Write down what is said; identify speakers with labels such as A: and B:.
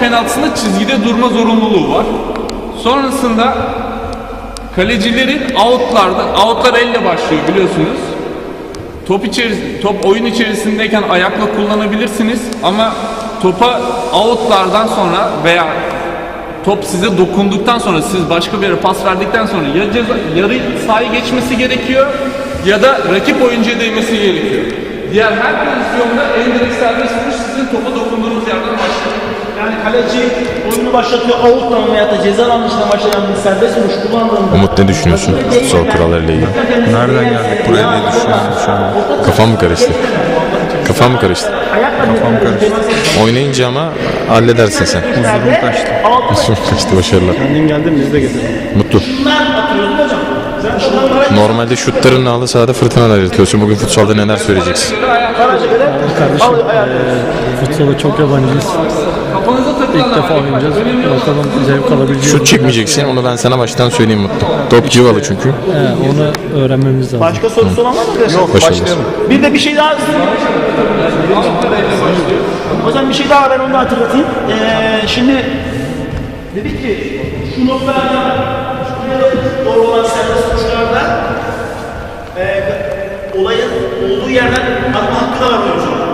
A: penaltısında çizgide durma zorunluluğu var. Sonrasında kalecilerin outlar elle başlıyor biliyorsunuz. Top oyun içerisindeyken ayakla kullanabilirsiniz ama topa outlardan sonra veya top size dokunduktan sonra, siz başka bir yere pas verdikten sonra ya yarı sahayı geçmesi gerekiyor ya da rakip oyuncuya değmesi gerekiyor. Diğer her pozisyonda en direkt serbest vuruş sizin topa dokunduğunuz yerden başlıyor.
B: Yani kaleci oyunu başlatıyor, out'tan veya da ceza alanı dışına başlayan bir serbest vuruş kullandığında...
C: Umut, ne düşünüyorsun futsal kurallarıyla ilgili?
D: Nereden geldik buraya diye düşünüyorum şu an.
C: Kafam mı karıştı? Kafam mı karıştı?
D: Kafam karıştı.
C: Oynayınca ama halledersin sen.
D: Huzurum kaçtı.
C: Huzurum kaçtı, başarılar.
D: Kendin geldin, biz de getirdik.
C: Mutlu. Normalde şutlarınla halı sahada fırtınalar yaratıyorsun. Bugün futsalda neler söyleyeceksin?
E: Kardeşim, futsala çok yabancıyız. İlk defa oynayacağız. Bakalım zevk alabileceğiz.
C: Şut çekmeyeceksin, onu ben sana baştan söyleyeyim Mutlu. Top civalı çünkü.
E: Onu öğrenmemiz lazım.
B: Başka sorusu olan var mı arkadaşlar?
D: Yok,
C: Başarılar.
D: başlayalım.
B: Bir de bir şey daha... O zaman bir şey daha ben onu da hatırlatayım. Şimdi dedik ki şu noktalarda şuraya doğru olan serbest vuruşlarda olayın olduğu yerden atma hakkı da var oyuncular.